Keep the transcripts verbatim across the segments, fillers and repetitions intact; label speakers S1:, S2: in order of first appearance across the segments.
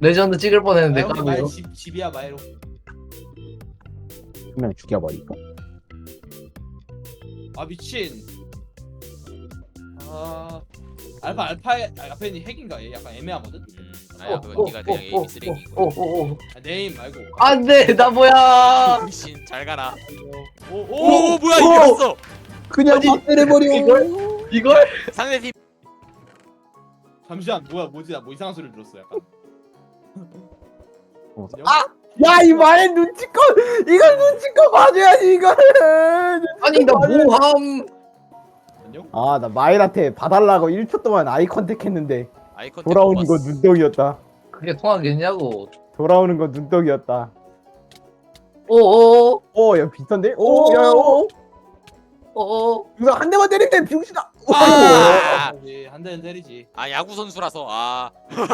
S1: 레전드 찍을 뻔했는데
S2: 아, 형님 말
S1: 까비요.
S2: 집, 집이야 말로.
S3: 한 명 죽여버리고.
S2: 아 미친. 아 알파 알파의 아, 알파니 핵인가 얘 약간 애매하거든.
S4: 음, 아야 그건 네가 그냥 에이미 쓰레기고.
S1: 오오오오.
S2: 아, 네임 말고.
S1: 안돼 나 뭐야?
S4: 신 잘 가라.
S2: 오,
S4: 오,
S2: 오,
S4: 오 뭐야
S1: 오!
S4: 이겼어.
S3: 그냥
S1: 아니,
S3: 막대해버려.
S1: 이걸? 이걸?
S4: 상대팀
S2: 잠시만 뭐야 뭐지 나 뭐 이상한 소리 들었어 약간.
S3: 어,
S2: 안녕?
S3: 아! 야, 이 마의 눈치껏! 이걸 눈치껏 봐줘야지, 이거는!
S1: 아니 나 뭐함?
S2: 안녕?
S3: 아, 나 마일한테 봐달라고 일 초 동안 아이 컨택 했는데
S4: 아이 컨택
S3: 돌아오는
S4: 못
S3: 건
S4: 봤어.
S3: 눈덩이였다.
S1: 그게 통하겠냐고.
S3: 돌아오는 건 눈덩이였다.
S1: 오오
S3: 어, 야, 비슷한데? 오, 야, 오!
S1: 오오.
S3: 이거 한 대만 때릴 때 병신아!
S4: 아!
S2: 아, 한 대는 때리지.
S4: 아 야구 선수라서 아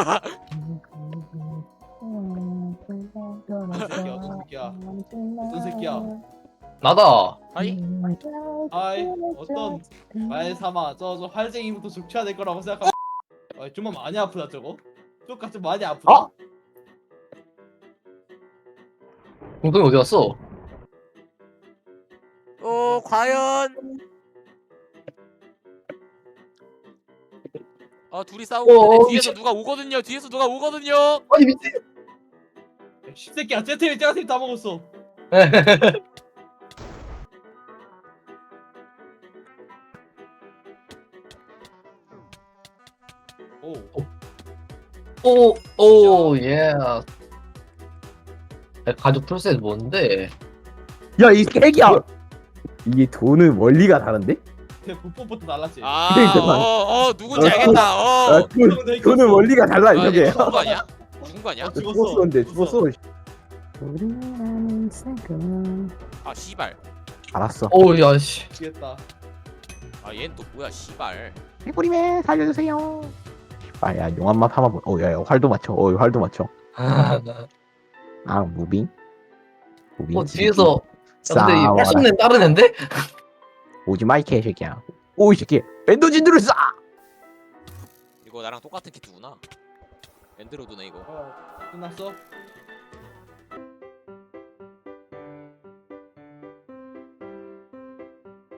S2: 어떤 새끼야 어떤 새끼야 어떤 새끼야.
S1: 나다.
S4: 아이
S2: 아이 어떤 말 삼아 저저 활쟁이부터 족쳐야 될 거라고 생각하. 아 좀만 많이 아프다 저거. 쪽가 좀 많이 아프다.
S1: 어? 공동이 어디 갔어?
S4: 어 과연 아 둘이 싸우고
S1: 어,
S4: 있는데
S1: 어,
S4: 뒤에서
S1: 미친.
S4: 누가 오거든요. 뒤에서 누가 오거든요.
S1: 아니 미친.
S2: 십새끼야 제트를 제가팀 다 먹었어. 오.
S1: 오오 예. 가죽 풀셋 뭔데?
S3: 야, 이 핵이야! 이게 돈은 원리가 다른데?
S2: 걔 불법부터 날랐지.
S4: 아어어 누군지
S3: 어,
S4: 알겠다.
S3: 아,
S4: 어.
S3: 돈,
S2: 내
S3: 돈은
S2: 이겼어.
S3: 원리가 달라,
S4: 아,
S3: 이게.
S4: 얘 죽은 거 아니야? 죽은 거 아니야?
S2: 어, 죽었어.
S3: 죽었었는데,
S2: 죽었어.
S3: 죽었어.
S4: 아 씨발.
S3: 알았어.
S1: 오야 씨.
S2: 미치겠다.
S4: 아 얘는 또 뭐야 씨발.
S3: 해보리맨 살려주세요. 아, 야, 용암맛 한번 보. 어, 야, 야, 활도 맞춰. 어, 활도 맞춰.
S1: 아,
S3: 아, 무빙. 무빙.
S1: 어 뒤에서. 야, 근데 이
S3: 싸워라.
S1: 팔순내 다른 앤데?
S3: 오지 마, 이 개새끼야. 오, 이 새끼. 엔더진들을 쏴!
S4: 이거 나랑 똑같은 키트구나. 엔드로드네 이거.
S2: 어, 끝났어?